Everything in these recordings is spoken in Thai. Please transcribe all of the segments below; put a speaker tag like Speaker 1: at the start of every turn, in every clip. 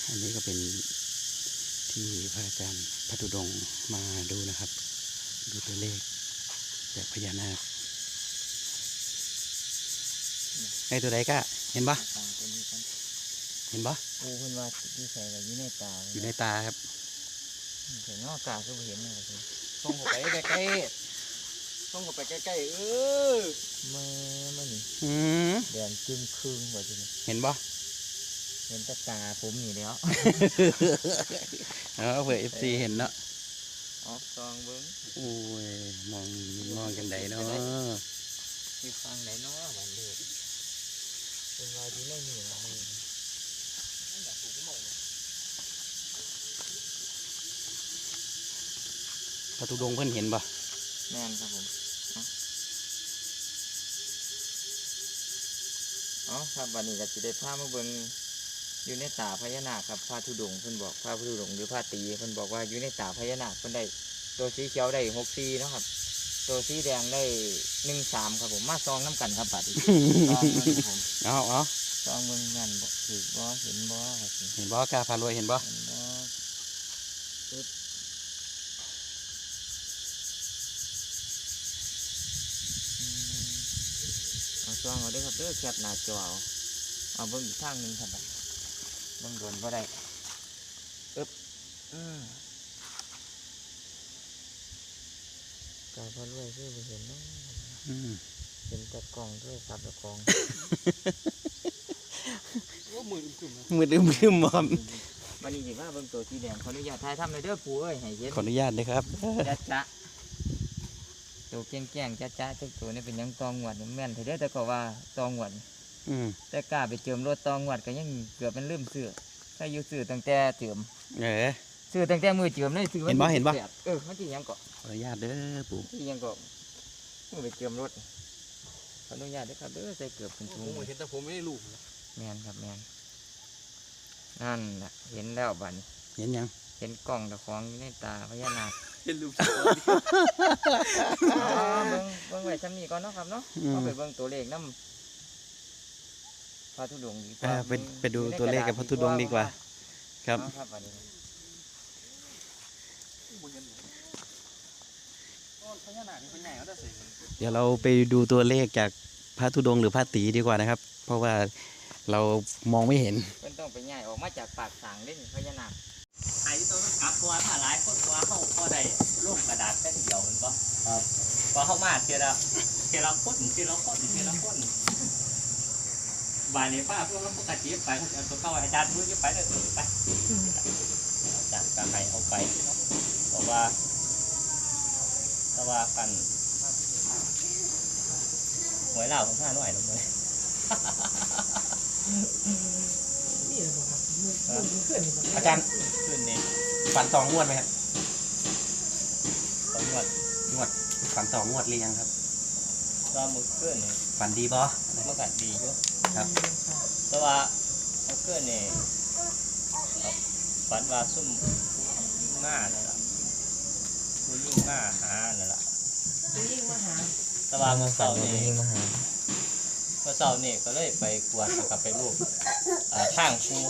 Speaker 1: อันนี้ก็เป็นที่พระอาจารย์พระธุดงค์มาดูนะครับ ดูตัวเลขจากพญานาคไอ้ตัวใดก็เห็นปะเห็นปะ
Speaker 2: โอ้เพิ่นว่าที่ใส่กับอยู่ในตา
Speaker 1: อยู่ในตาครับ
Speaker 2: แต่นอกตาคือบ่เห็นนะครับส่งเข้าไปใกล้ๆส่งเข้าไปใกล้ๆมันนี่ แดงจึ้งครึ่งว่าจัง
Speaker 1: เห็นปะ
Speaker 2: เห็นแต่ตาผมนี่แล้ว
Speaker 1: เผื่อFC เห็นเนาะ
Speaker 2: อ๋อซองเบิ่ง
Speaker 1: โอ้ยมองกันไดเนาะ
Speaker 2: ที่ฟังไหนเนาะบันเด็กเป็นว่าที่ในนี่ล่ะนี่
Speaker 1: พระธุดงค์เพิ่นเห็นปะ
Speaker 2: แม่นครับผมอ๋อครับวันนี้ก็สิได้พามาเบิ่งอยู่ในตาพญานาคครับพระธุดงค์เพิ่นบอกพระธุดงค์หรือพระตรีเพิ่นบอกว่าอยู่ในตาพญานาคเพิ่นได้ตัวสีเขียวได้64เนาะครับตัวสีแดงได้13ครับผมมาซองน้ำกันครับบัดนี้ซองเบิ่งครับผม
Speaker 1: เอา
Speaker 2: ซองเบิ่งแม่นบ่ถูกบ่เห็นบ่ครับ
Speaker 1: เห็นปะกาพารวยเห็นปะ
Speaker 2: เห็นบ่ปึ๊บเอาซองเอาเด้อครับเด้อแคปหน้าจอเอาเบิ่งอีกทางหนึงครับบัดเบิ่งโดนบ่ได้ปึ๊บกาพารวยคือบ่เห็นเนาะ เห็นแต่กล่องด้วยครับแต่กล่อง
Speaker 1: มืดอึมครับ
Speaker 2: วันนี้สิว่าเบิ่งตัวสีแดงขออนุญาตถ่ายทำเลยเด้อปู่เอ้ยให้เห็น
Speaker 1: ขออนุญาตเลยครับ
Speaker 2: จ๊ะตัวแก่งๆจ๊ะทุกตัวนี่เป็นหยังตองหวดแม่นเถอะเด้อแต่ก็ว่าตองหวดแต่กล้าไปเจิมรถตองหวดก็ยังเกือบเป็นลืมซื้อถ้าอยู่ซื้อตั้งแต่เจิมซื้อตั้งแต่มือเจิมเลยซื้อวันที่8มันที่ยังก็
Speaker 1: ขออนุญาตเด้อปู่
Speaker 2: ที่ยังก็มือไปเจิมรถขออนุญาตเด้อครับเด้อใส่เกือบเป็นถุง
Speaker 3: ผมเห็นแต่ผมไม่ได้ลูก
Speaker 2: แม่นครับแม่นนั่นแหละเห็นแล้วบัดนี้
Speaker 1: เห็นยัง
Speaker 2: เห็นกล่องตะของอยู่ในตาพญานาค
Speaker 3: เห็นลูก
Speaker 2: เบิ่งไว้ซ้ำนี้ก่อนเนาะครับเนาะเอาไปเบิ่งตัวเลขน้ำพระธุดงค์ดีกว่า
Speaker 1: ไปดูตัวเลขกับพระธุดงค์ดีกว่าครับ
Speaker 2: ครับบัดนี้
Speaker 3: พญานาคเป็นใหญ่เขาได้สิ
Speaker 1: เดี๋ยวเราไปดูตัวเลขจากพระธุดงค์หรือพระตรีดีกว่านะครับ เพราะว่าเรามองไม่เห็น
Speaker 2: เพิ่นต้องไปย้ายออกมาจากปากสางเล่นพญานาค
Speaker 4: ไอ้ตัวมันกลับตัวถ้าหลายคนตัวเข้าพอได้ร่วมกระดาษแค่เดียวมันบ่ครับพอเข้ามาเทีละคนบานในป้าพวกเราปกติไปเอาตัวเข้าอาจารย์พูดไปเลยไปอาจารย์ก็ให้เอาไปบอกว่าแต่ว่ากันหวยเหล่าของข้าหน่อยลงเลย
Speaker 1: อาจารย์
Speaker 4: ขึ้นนี่
Speaker 1: ฝันสองงวดไหมครับ
Speaker 4: ตำรวจ
Speaker 1: ฝันสองงวดหรือยังครับ
Speaker 4: ก็มือขึ้นนี่
Speaker 1: ฝันดีปะ
Speaker 4: เมื่อกันดีอยู่
Speaker 1: ครับ
Speaker 4: แต่ว่าเอาเกินนี่ฝันว่าซุ่มง่าเนี่ยล่ะผู้ยิ่งง่าหาเนี่ยล่ะแต่ว่าเมื่อเช้านี่
Speaker 2: ยิ่งมาหา
Speaker 4: เมื่อเช้านี่ก็เลยไปกวดกับไปรูปข้างชู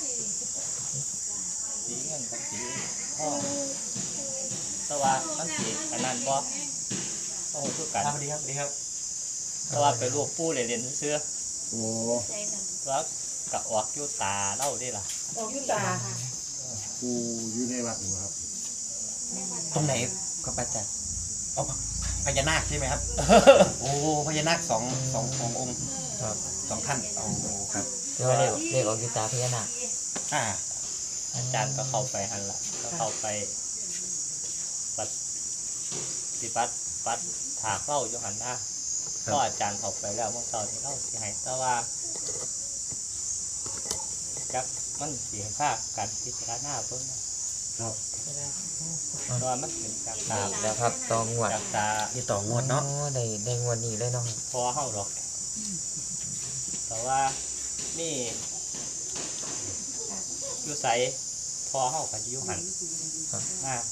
Speaker 4: สีเงินกับสีทองแต่ว่ามันสีอันนั้นบ่โอ้โหคือกัน
Speaker 1: ดีครับ
Speaker 4: แต่ว่าไปรูปปูเลยเรียนเสื้อ
Speaker 1: โอ้
Speaker 4: แล้วกะออกอยู่ตาเล่าได้ล่ะ
Speaker 5: ออกยุตา
Speaker 3: กูอยู่ในวัดอยู่ครับ
Speaker 1: ตรงไหนครับอาจารย์อ๋อพญานาคใช่ไหมครับ โอ้พญานาคสององค์ครับสองท่านโอ้ครับ
Speaker 2: เรียกว่าเลขออกอยู่ตาพญานาค
Speaker 4: อาจารย์ก็เข้าไปหันละก็เข้าไปปฏิบัติถากเล่าอยู่หันหน้าก็อาจารย์เข้าไปแล้วเมื่อเช้าที่เล่าที่ให้แต่ว่าจักมันเสียค่าการพิจารณาเพิ่งแต่ว่ามันเป็นจากตา
Speaker 2: แล้วครับตองหวด
Speaker 4: จากตา
Speaker 1: ที่ต่องวดเนาะ
Speaker 2: ได้งวดนี้เลยเนาะ
Speaker 4: พอเข้าหรอกแต่ว่านี่อยู่ใสพอเข้ากับยูหันมาก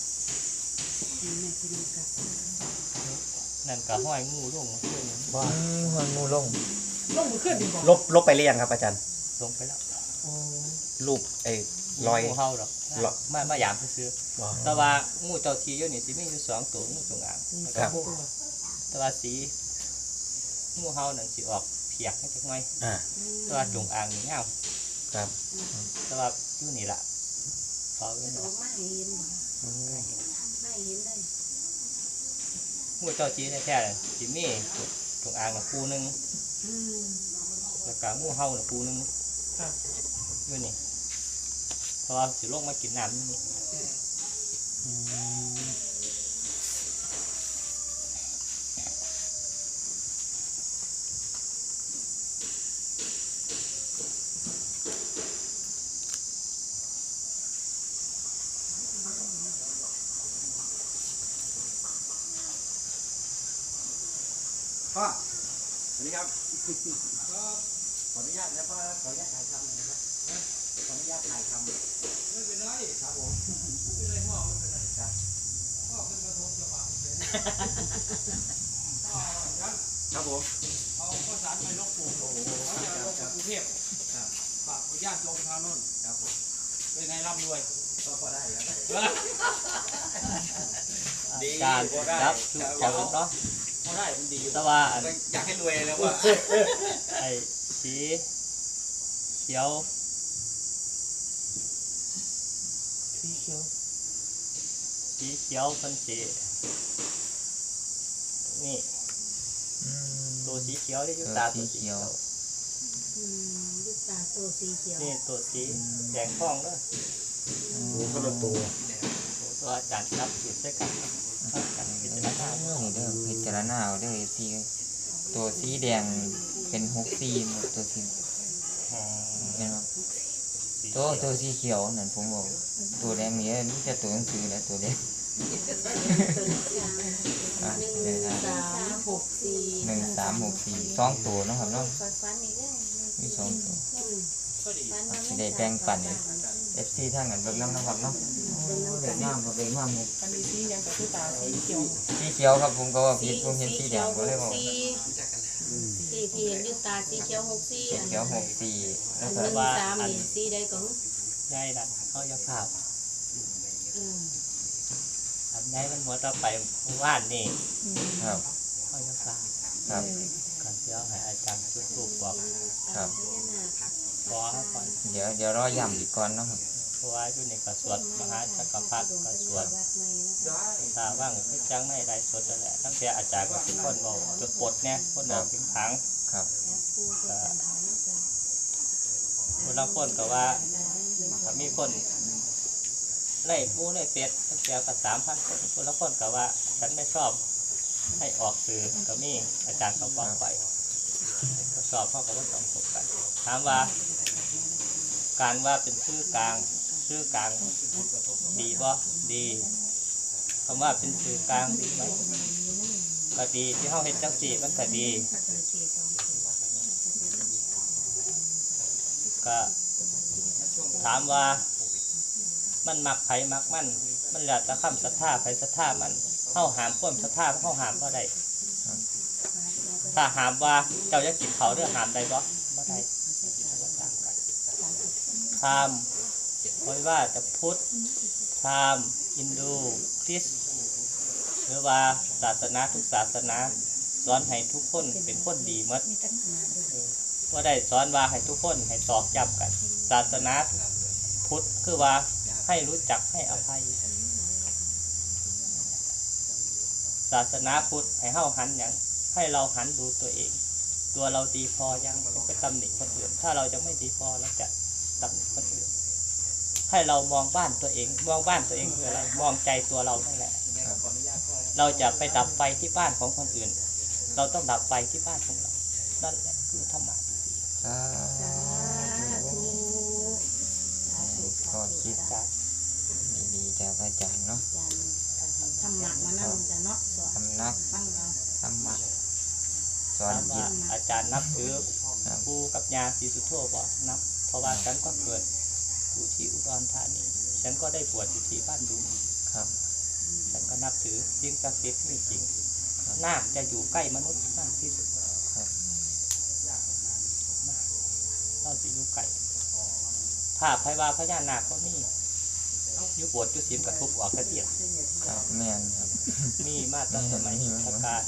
Speaker 4: นั่นก็ห้อยงูล่วงขึ้น
Speaker 2: หัวงูลง
Speaker 5: ลงมือขึ้นดีกว่า
Speaker 1: ลบไปหรือยังครับอาจารย์
Speaker 4: ลงไปแล้ว
Speaker 1: รูปรอย
Speaker 4: งูเห่าดอก
Speaker 1: รอย
Speaker 4: มาหยามซื้อๆแต่ว่างูเจ้าที่อยู่นี่สิมีอยู่2ตัวงูจงอางแล้วก็งูแต่ว่าสีงูเห่านั่นสิออกเพียกจักหน่อย
Speaker 1: อ่า
Speaker 4: แต่ว่าจงอางนี่เงา
Speaker 1: ครับ
Speaker 4: แต่ว่าอยู่นี่ล่ะเฝ้าอยู่นี่
Speaker 5: ออกมาให้เห็นบ่ไม่เห็นเลย
Speaker 4: งูเจ้าที่แท้ๆน่ะสิมีจงอางน่ะคู่หนึง
Speaker 5: อืม
Speaker 4: แล้วก็งูเห่าน่ะคู่หนึงอยู่นี่เพราะว่าสิลงมากินน้ำอยู่นี่
Speaker 1: พ่อสวัสดีครับขออนุญาตนะพ่อขออนุญาตถ่ายทำหน่อยนะครับขออนุญาตถ่ายทำไม่เป็นไรครับผมไม่เป็นไรพ่อไม่เป็นไรครับพ่อเป็นกระทงจะบาปครับผม
Speaker 3: เอาข้าวสารไปลกปู่เขาจะลงกรุงเทพฝากญาติโยมทางโน้น
Speaker 1: ครับผม
Speaker 3: เป็นไงร่ำรวย
Speaker 1: ก็พอได้ครับ
Speaker 4: การรับทุกคนเนาะ
Speaker 3: เขาได้มันดีอยู่
Speaker 4: แต่ว่าอัน
Speaker 1: อยากให้รวยแล้วว่า
Speaker 4: ไอ้สีเขียวสีเขียวเป็นสีนี่ตัวสีเขียวที่อยู่ตาตัวสีเขียว
Speaker 5: อืมลูกตาโตสีเขียว
Speaker 4: นี่ตัวสีแดงทองเด้อ
Speaker 3: โอ้ก็ละตัว
Speaker 4: ตัวอาจารย์รับอยู่ด้วยกันกันพิจารณา
Speaker 2: นี่เด้อพิจารณาเอาเด้อสีตัวสีแดงเป็น64หมดตัวสีเห็นบ่ตัวสีเขียวนั่นผมบอกตัวแดงนี่มีแต่ตัวหนังสือและตัวเล็ก
Speaker 5: ตัวนี้กลาง
Speaker 2: อ่ะ
Speaker 5: หนึ่งสามหกสี่
Speaker 2: 1364 2ตัวเนาะครับเนาะ
Speaker 5: ฟันนี่ได้
Speaker 2: มี2ตัว
Speaker 5: ฟัน
Speaker 2: สิได้แบ่งปัน FC ทางนั้นเบิ่งนำนะครับเนาะเบิ่งงามก็เบิ่งงามหมด
Speaker 6: อันนี้สียังกับสีตาสีเขียว
Speaker 2: สีเขียวครับผมก็ว่าผิดผมเห็นสีแดงก็เลยบอก
Speaker 5: สีที่เห็นอยู่ตาสีเขียวหกสี่
Speaker 2: สีเขียว64
Speaker 5: อั
Speaker 2: แล้ว
Speaker 5: น
Speaker 2: ก็
Speaker 5: หนึ่งสามนี่สีใดก็
Speaker 4: ง่ายนะเขาจะภาพ
Speaker 5: อืม
Speaker 4: อันง่ายมันหัวต่อไปว่านนี่
Speaker 2: ครับ
Speaker 4: เขาจะภาพ
Speaker 2: ครับ
Speaker 4: กันเดี๋ยวให้อาจารย์จุดทูปบอก
Speaker 2: ครับ
Speaker 4: ขอเขาก่อน
Speaker 2: เดี๋ยวรอย้ำอีกก่อนเนาะครับ
Speaker 4: เพราะว่าอยู่ในกระสวดมหาจักรพรรดิกระสวดถ้าว่างก็จังไม่ไรสวดนั่นแหละตั้งแต่อาจารย์ก็ทุกคนบอกจดปลดเนี่ยคนบอกถึงผัง
Speaker 2: ครับ
Speaker 4: คนละคนก็ว่าถ้ามีคนไล่ปูไล่เป็ดตั้งแต่ก็3,000 คนคนละคนก็ว่าฉันไม่ชอบให้ออกสื่อก็มีอาจารย์เขาบอกไปก็สอบเขาก็ว่าสอบสบกันถามว่า การว่าเป็นชื่อกลางดีบ่ดีคำว่าเป็นชื่อกลางดีไหมก็ดีที่เขาเห็นจังสีมันก็ดีก็ถามว่ามันมักไผมักมันแล้วแต่คำศรัทธาไผศรัทธามันเข้าหามความศรัทธาเข้าหามเพราะใดถ้าหามว่าเจ้าจะกินเขาเรื่องหามใดบ่ได้พราหมณ์ไม่ว่าจะพุทธพราหมณ์ฮินดูคริสต์หรือว่าศาสนาทุกศาสนาสอนให้ทุกคนเป็นคนดีหมดว่าได้สอนว่าให้ทุกคนให้ตอกย้ำกัน ศาสนาพุทธคือว่าให้รู้จักให้อภัย ศาสนาพุทธให้เฮาหันอย่างให้เราหันดูตัวเอง ตัวเราดีพอยังไปตำหนิคนอื่นถ้าเราจะไม่ดีพอเราจะตำหนิคนอื่นให้เรามองบ้านตัวเองมองบ้านตัวเองคืออะไรมองใจตัวเรานั่นแหละเราจะไปดับไฟที่บ้านของคนอื่น เราต้องดับไฟที่บ้านของเรานั่นแหละคือธรรมะ
Speaker 2: สาธุก็คิด
Speaker 4: จาก
Speaker 2: ดีๆจากอาจารย์เนาะ
Speaker 5: ทำหมักมานั่งจะเนาะสอน
Speaker 2: ทำนัก
Speaker 5: ฟังเรา
Speaker 2: ธรรมะสอน
Speaker 4: ถาม
Speaker 2: จิ
Speaker 4: ว่า
Speaker 2: ต
Speaker 4: อาจารย์นับถือ
Speaker 2: ครับ
Speaker 4: ปู่กับย่าศรีสุโธบ่นับเพราะว่าฉันก็เกิดอยู่ที่อุดรธานีฉันก็ได้บวชอยู่ที่บ้านดุง
Speaker 2: ครับ
Speaker 4: ฉันก็นับถือสิ่งศักดิ์สิทธิ์ไม่จริงนาคจะอยู่ใกล้มนุษย์มากที่สุด
Speaker 2: ครับ
Speaker 4: เราจะอยู่ไกลภาพไพว่าพญานาคก็มียุบวชยุศิลกับทุบออกกระเทีย
Speaker 2: ครับแม่นครับ
Speaker 4: มีมาตั้งสมัยพุทธกาล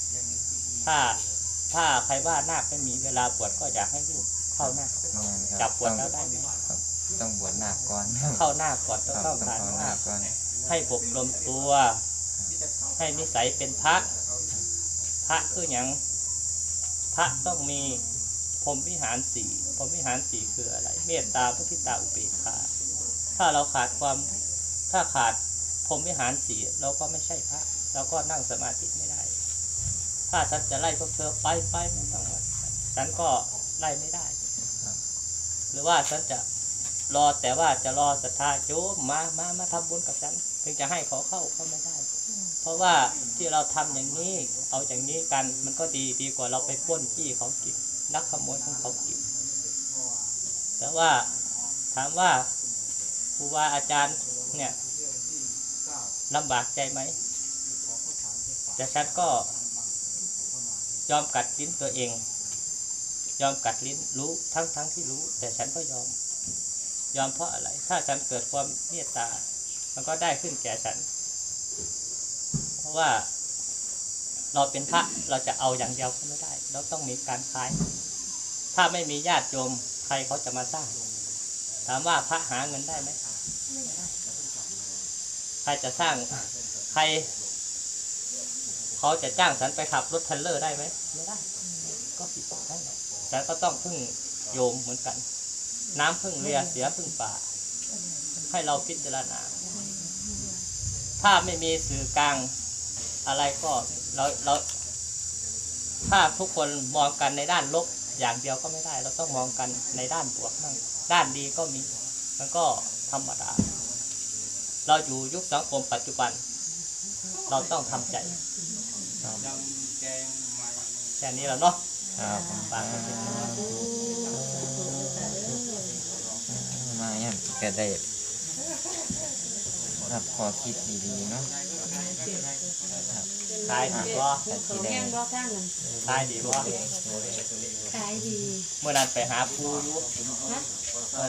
Speaker 4: ถ้าใครว่านาคไม่มีเวลาบวชก็อยากให้ลูกเข้านาค
Speaker 2: แม่นครับ
Speaker 4: จับบวชแล้วได้ไหม
Speaker 2: ต้องบวชนาคก่อน
Speaker 4: เข้านาคก่อนต้อง
Speaker 2: ครับ
Speaker 4: เข้า
Speaker 2: ต้อง
Speaker 4: ฐาน
Speaker 2: เข้านาคก่อน
Speaker 4: ให้อบรมตัว ให้นิสัยเป็นพระคืออย่างพระต้องมีพรหมวิหารสี่พรหมวิหารสี่คืออะไร เมตตามุทิตาอุเบกขาถ้าเราขาดพรหมวิหารสี่เราก็ไม่ใช่พระเราก็นั่งสมาธิไม่ได้ ถ้าฉันจะไล่พวกเธอไปไม่ต้องฉันก็ไล่ไม่ได้ หรือว่าฉันจะรอแต่ว่าจะรอศรัทธาโยมมาทำบุญกับฉันถึงจะให้เขาเข้าไม่ได้ เพราะว่าที่เราทำอย่างนี้เอาอย่างนี้กันมันก็ดีกว่าเราไปปล้นจี้เขากินลักขโมยของเขากินแต่ว่าถามว่าครูบาอาจารย์เนี่ยลำบากใจไหมแต่ฉันก็ยอมกัดลิ้นตัวเองยอมกัดลิ้นรู้ทั้งที่รู้แต่ฉันก็ยอมเพราะอะไร ถ้าฉันเกิดความเมตตามันก็ได้ขึ้นแก่ฉันเพราะว่าเราเป็นพระเราจะเอาอย่างเดียวก็ไม่ได้เราต้องมีการขายถ้าไม่มีญาติโยมใครเขาจะมาสร้างถามว่าพระหาเงินได้ไหมใครจะสร้างใครเขาจะจ้างฉันไปขับรถเทรลเลอร์ได้ไหมไม่ได้ก็ผิดกฎหมายฉันก็ต้องพึ่งโยมเหมือนกันน้ำพึ่งเรือเสียพึ่งป่าให้เราพิจารณาถ้าไม่มีสื่อกลางอะไรก็เราถ้าทุกคนมองกันในด้านลบอย่างเดียวก็ไม่ได้เราต้องมองกันในด้านบวกบ้างด้านดีก็มีมันก็ธรรมดาเราอยู่ยุคสังคมปัจจุบันเราต้องทำใจแค่นี้แล้วเนาะ
Speaker 2: ครับ
Speaker 4: ฝากไว้เป็น
Speaker 2: มาอย่างก็ได้รับข้อคิดดีๆเนาะ
Speaker 4: ขายดีบ่
Speaker 5: เขาแห้งบ่ทั้งนั้น
Speaker 4: ขายดีบ่
Speaker 5: ขายดี
Speaker 4: เมื่อนั้นไปหาปูอยู่
Speaker 5: ฮะ